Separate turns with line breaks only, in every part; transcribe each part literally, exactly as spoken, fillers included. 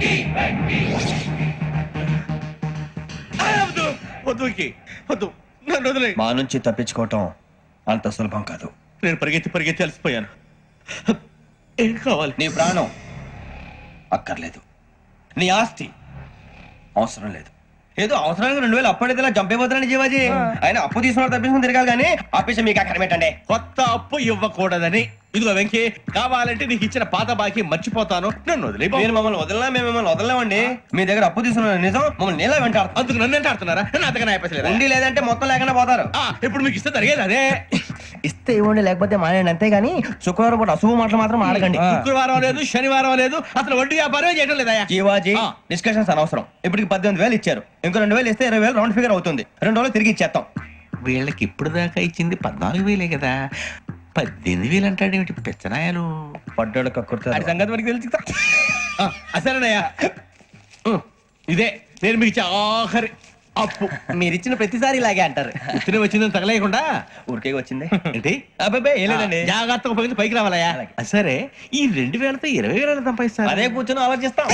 వద్దు వద్దు, నన్ను వదిలే.
మా నుంచి తప్పించుకోవటం అంత సులభం కాదు.
నేను పరిగెత్తి పరిగెత్తి అలసిపోయాను. ఏం కావాలి?
నీ ప్రాణం అక్కర్లేదు, నీ ఆస్తి అవసరం లేదు. ఏదో అవసరానికి రెండు వేలు అప్పటిదిలా చంపేపోతున్నాడు జీవాజీ. ఆయన అప్పు తీసుకున్న తప్పించుకుని తిరగాలి కానీ ఆపేసి మీకు అక్కడ పెట్టండి.
కొత్త అప్పు ఇవ్వకూడదని. ఇదిగో వెంకీ, కావాలంటే నీకు ఇచ్చిన పాత బాకీ మర్చిపోతాను, నన్ను వదిలే.
మీరు మమ్మల్ని వదలనా? మేము మిమ్మల్ని వదలలేమండి. మీ దగ్గర అప్పు తీసుకున్న నిజం మమ్మల్ని నీలా వెంటాడు.
అందుకు నన్ను ఎంత ఆడుతున్నారా? నన్ను అంతగా అయిపోలేదు.
ఉండి లేదంటే మొత్తం లేకుండా పోతారు.
ఇప్పుడు మీకు ఇస్తే జరిగేది అదే.
ఇస్తే ఇవ్వండి, లేకపోతే మానేయండి, అంతేగాని శుక్రవారం పూట అశుభ మాటలు మాత్రం ఆడకండి.
శుక్రవారం లేదు, శనివారం లేదు, అసలు వడ్డీ వ్యాపారం చేయడం లేదా?
జీవాజీ, డిస్కషన్స్ అనవసరం. ఇప్పటికి పద్దెనిమిది వేలు ఇచ్చారు, ఇంకో రెండు వేలు ఇస్తే ఇరవై వేలు రౌండ్ ఫిగర్ అవుతుంది. రెండు రోజులు తిరిగి ఇచ్చేస్తాం.
వీళ్ళకి ఇప్పుడు దాకా ఇచ్చింది పద్నాలుగు వేలే కదా, పద్దెనిమిది వేలు అంటాడేమిటి పిచ్చనాయాలు?
పడ్డాడు కక్కుర్తాడు సంగతి వరకు తెలుసు.
అసలేనయ్యా, ఇదే నేను మీకు ఇచ్చే ఆఖరి అప్పు.
మీరు ఇచ్చిన ప్రతిసారి ఇలాగే అంటారు.
ఇతనే వచ్చిందని తగలేయకుండా
ఊరికే వచ్చింది
ఏంటి?
అబ్బాయి ఏం లేదండి,
జాగ్రత్తగా ఉపయోగించి పైకి రావాలయ్యా. సరే, ఈ రెండు వేలతో ఇరవై వేల సంపాదిస్తారు.
అదే కూర్చొని ఆలోచిస్తాం.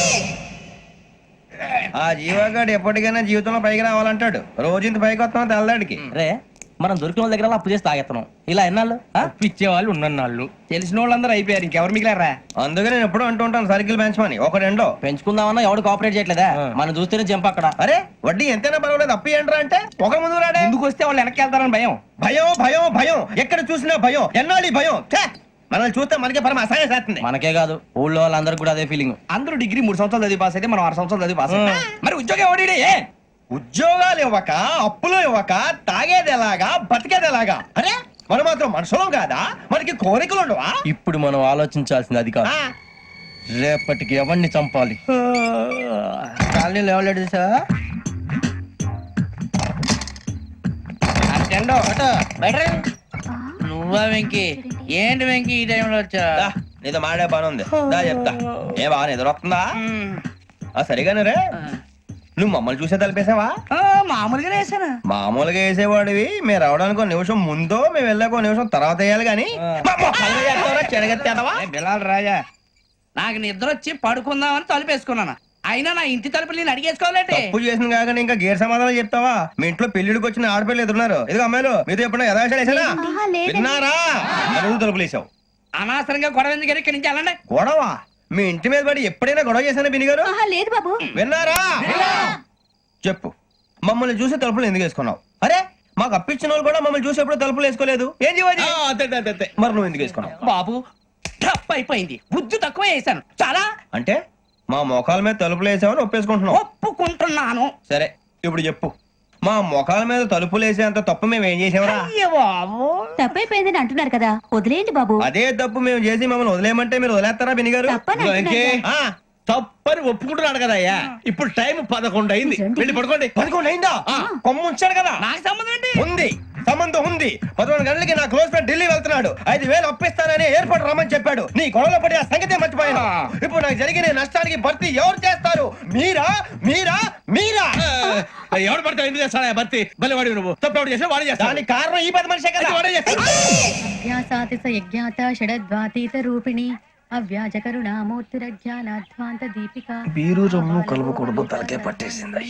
ఆ జీవగాడు ఎప్పటికైనా జీవితంలో పైకి రావాలంటాడు. రోజు ఇంత పైకి వస్తాం తెల్లడికి.
రే, మనం దొరికిన వాళ్ళ దగ్గర అప్పు చేసి తాగెత్తనం. ఇలా ఎన్నాళ్ళు
ఇచ్చే వాళ్ళు ఉన్నన్నాళ్ళు తెలిసిన వాళ్ళందరూ అయిపోయారు, ఇంకెవరు మిగిలారా?
అందుకే నేను ఎప్పుడు అంటూ ఉంటాను సర్కిల్ పెంచమని. ఒక రెండో
పెంచుకుందామన్నా ఎవడు కోఆపరేట్ చేయట్లేదా? మనం చూస్తేనే జంప్ అక్కడ.
అరే వడ్డీ ఎంతైనా పర్వాలేదు, అప్పు ఏంట్రా అంటే ఒక ముందు రాడే.
ముందుకు వస్తే వాళ్ళు వెనక్కి వెళ్తారని భయం.
భయం భయం భయం, ఎక్కడ చూసినా భయం. ఎన్నాళ్ళు భయం? మనల్ని చూస్తే మనకే పరమ అసహాయం చేస్తుంది.
మనకే కాదు, ఊళ్ళో వాళ్ళందరికీ కూడా అదే ఫీలింగ్.
అందరూ డిగ్రీ మూడు సంవత్సరాలు చదివి పాస్ అయితే మనం ఆరు సంవత్సరాలు చదివి పాస్ అయ్యాం. మరి ఉద్యోగం ఎవడి?
ఉద్యోగాలు ఇవ్వక, అప్పులు ఇవ్వక, తాగేది ఎలాగా, బతికేది ఎలాగా? అరే మనం మాత్రం మనుషులం కాదా? మనకి కోరికలు ఉండవా?
ఇప్పుడు మనం ఆలోచించాల్సింది అది కాదు, రేపటికి ఎవరిని చంపాలి.
కాలనీలో ఎవరు సార్?
నువ్వా వెంకీ? ఏంటి వెంకీ ఈ టైంలో వచ్చా?
నీతో మాడే పని ఉంది, దా చెప్తా. ఏ బాగా నిద్రొస్తుందా? సరిగానే రే, నువ్వు మమ్మల్ని చూసే తలిపేసావా?
మామూలుగా వేసానా?
మామూలుగా వేసేవాడివి. మేము రావడానికి ఒక నిమిషం ముందో, మేము వెళ్ళాక ఒక నిమిషం తర్వాత వేయాలి కానీ
బిలాల్ రాజా,
నాకు నిద్ర వచ్చి పడుకుందామని తలుపేసుకున్నాను. అయినా నా ఇంటి తలుపులు నేను అడిగేసుకోవాలంటే
తప్పు చేసిన కాక ఇంకా గేర్ సమాధానం చెప్తావా? మీ ఇంట్లో పెళ్లిడికి వచ్చిన ఆడపిల్లలు ఎదురున్నారు. ఇదిగో అమ్మాయిలు, మీతో ఎప్పుడైనా యథాశాలు వేసానా? విన్నారా? అడుగు తలుపులు వేసావు.
అనవసరంగా గొడవ ఎందుకు ఇక్కడి నుంచి వెళ్ళండి.
గొడవ? మీ ఇంటి మీద పడి ఎప్పుడైనా గొడవ చేశానా బిని గారు?
లేదు బాబు.
విన్నారా? చెప్పు, మమ్మల్ని చూసి తలుపులు ఎందుకు వేసుకున్నావు? అరే మాకు అప్పించిన వాళ్ళు కూడా మమ్మల్ని చూసి ఎప్పుడు తలుపులు వేసుకోలేదు. ఏం చేయాలి? మరి నువ్వు ఎందుకు వేసుకున్నావు?
బాబు టప్ అయిపోయింది, బుద్ధి తక్కువ వేసాను చాలా.
అంటే మా మోకాల మీద తలుపులు వేసామని ఒప్పేసుకుంటున్నావు?
ఒప్పుకుంటున్నాను.
సరే ఇప్పుడు చెప్పు, మా మొఖాల మీద తలుపులు వేసేంత తప్పు మేము ఏం చేసామరా?
తప్పైపోయిందని అంటున్నారు కదా, వదిలేయండి బాబు.
అదే తప్పు మేము చేసి మమ్మల్ని వదిలేయమంటే మీరు వదిలేస్తారా బిని గారు?
తప్పని ఒప్పుకుంటున్నాడు కదా అయ్యా. ఇప్పుడు టైం పదకొండు అయింది, వెళ్ళి పడుకోండి.
పదకొండు అయిందా? కొమ్ము ఉంచాడు కదా.
నాకు సంబంధం ఏంటి?
ఉంది, సంబంధం ఉంది. పదకొండు గంటలకి నా క్లోజ్ ఫ్రెండ్ ఢిల్లీ వెళ్తున్నాడు. ఐదు వేలు అప్పిస్తానని ఎయిర్పోర్ట్ రమ్మని చెప్పాడు. నీ గొడవలో పడి ఆ సంగతే మర్చిపోయాను. ఇప్పుడు నాకు జరిగిన నష్టానికి భర్తీ ఎవరు చేస్తారు? మీరా మీరా మీరా?
ఎవడు పడితే ఎందుకు చేస్తాడా భర్తీ? మళ్ళీ వాడి నువ్వు తప్పు చేసా వాడే చేస్తా.
దానికి కారణం ఈ పది మనిషే కదా. వాడే చేస్తాడు.
యజ్ఞాత షడద్వాతీత రూపిణి అవ్యాజ కరుణామూర్తిరజ్ఞానాధ్వాంత దీపిక.
బీరు రమ్ము కలపకూడదు, తలకే పట్టేసింది.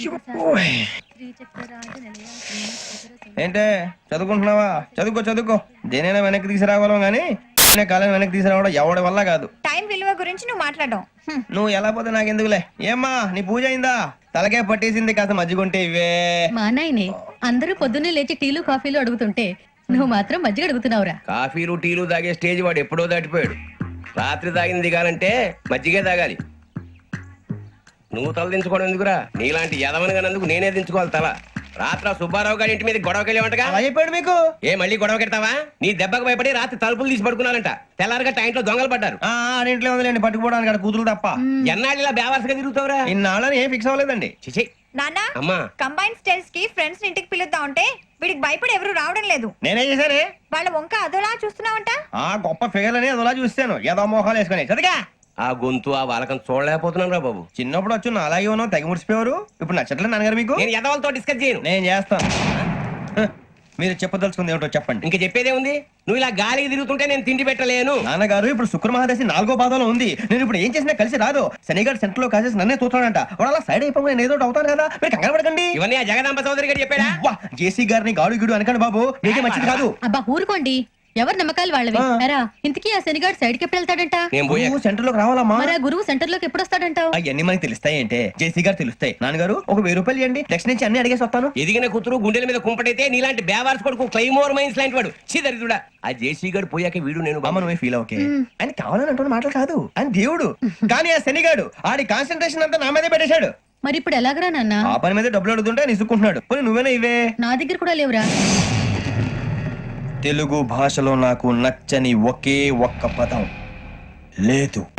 ఏంటే చదువుకుంటున్నావా? చదువుకో చదువుకో. దేనైనా వెనక్కి తీసుకురావాలం గానీ కాలం వెనక్కి తీసుకురావడం ఎవడి వల్ల కాదు.
టైం విలువ గురించి నువ్వు మాట్లాడడం.
నువ్వు ఎలా పోతే నాకెందుకులే. ఏమ్మా నీ పూజ అయిందా? తలకే పట్టేసింది, కాస్త మజ్జిగుంటే ఇవే.
మా నాయనే అందరూ పొద్దున్నే లేచి టీలు కాఫీలు అడుగుతుంటే నువ్వు మాత్రం మజ్జిగ అడుగుతున్నావురా.
కాఫీలు టీలు తాగే స్టేజ్ వాడు ఎప్పుడో దాటిపోయాడు. రాత్రి తాగింది దిగాలంటే మజ్జిగే తాగాలి. నువ్వు తల దించుకోవడం ఎందుకురా? నీలాంటి యదవనగానందుకు నేనే దించుకోవాలి తల. రాత్ర సుబ్బారావు గారి ఇంటి మీద గొడవకి వెళ్ళేవంటగా.
అలా చెప్పాడు మీకు?
ఏ మళ్ళీ గొడవ కెడతావా? నీ దెబ్బకు భయపడి రాత్రి తలుపులు తీసి పడుకున్నారంట. తెల్లారగా టైంట్లో దొంగలు పడ్డారు.
ఇంట్లో ఉందిలేండి, పట్టుకుపోవడానికి అక్కడ కూతురు తప్ప.
ఎన్నాళ్ళు ఇలా బేవర్స్గా తిరుగుతావురా?
ఇన్నాళ్ళని ఏం ఫిక్స్ అవ్వలేదండి.
చిచి
నాన్న,
అమ్మా,
కంబైన్ స్టైల్స్ కి ఫ్రెండ్స్ ఇంటికి పిలుద్దాం అంటే వీడికి భయపడి ఎవరు రావడం లేదు.
నేనేం చేశానే?
వాళ్ళ వంక అదోలా చూస్తున్నావంట.
ఆ గొప్ప ఫిగర్ అని అదోలా చూస్తాను. ఏదో మోహాలు వేసుకుని చదిగా
ఆ గొంతు ఆ వాలకం చూడలేకపోతున్నాను రా బాబు.
చిన్నప్పుడు వచ్చి నా అలాగే ఉన్నావు, తెగ ముడిచిపోయారు. ఇప్పుడు నచ్చట్లేదు నాన్నగారు మీకు?
నేను ఎదవలతో డిస్కస్ చేయను.
నేను చేస్తాను. మీరు చెప్పదలుచుకుంది ఏమిటో చెప్పండి.
ఇంక చెప్పేదే ఉంది. నువ్వు ఇలా గాలికి తిరుగుతుంటే నేను తిండి పెట్టలేను.
నాన్నగారు ఇప్పుడు శుక్ర మహాదశి నాలుగో పాదంలో ఉంది. నేను ఇప్పుడు ఏం చేసినా కలిసి రాదు. శనిగారు సెంటర్ లో కాసేసి నన్నే చూస్తాడంట. వాడు అలా సైడ్ అయిపోయి నేను ఏదో ఒకటి అవుతాను కదా, మీరు కంగారు పడకండి.
ఇవన్నీ ఆ జగదాంబ చౌదరి గారు చెప్పాడా?
వా, జేసీ గారిని గాడు గిడు అనకండి బాబు, మీకే మంచిది కాదు.
అబ్బా ఊరుకోండి, ఎవరి నమ్మకాలు వాళ్ళవి.
ఆ.
ఎరా ఇంతకీ ఆ శనిగాడు సైడ్ కి ఎప్పుడు వెళ్తాడంట?
నేను పోయా.
నువ్వు సెంటర్ లోకి రావాలమ్మా.
మరి ఆ గురువు సెంటర్ లోకి ఎప్పుడు వస్తాడంటావు?
అవన్నీ మనకి తెలుస్తాయి అంటే జేసీ గారు తెలుస్తాయి. నాన్నగారు ఒక వెయ్యి రూపాయలు ఇవ్వండి, నెక్స్ట్ నుంచి అన్ని అడిగేసి వస్తాను.
ఎదిగిన కూతురు గుండెల మీద కుంపటైతే నీలాంటి బేవార్స్ కొడుకు క్లైమోర్ మైన్స్ లాంటి వాడు చీదరిదుడా. ఆ జేసీ గారు పోయాక వీడు నేను
అమ్మ నువ్వే ఫీల్ ఓకే. ఆయన కావాలని అంటున్న మాటలు కాదు, ఆయన దేవుడు. కానీ ఆ శనిగాడు ఆడి కాన్సన్ట్రేషన్ అంతా నా మీదే పెట్టేశాడు.
మరి ఇప్పుడు ఎలాగరా నాన్న?
ఆ పని మీద డబ్బులు అడుగుతుంటే ఆయన ఇసుక్కుంటున్నాడు. పోనీ నువ్వేనా ఇవే.
నా దగ్గర కూడా లేవురా.
తెలుగు భాషలో నాకు నచ్చని ఒకే ఒక్క పదం లేదు.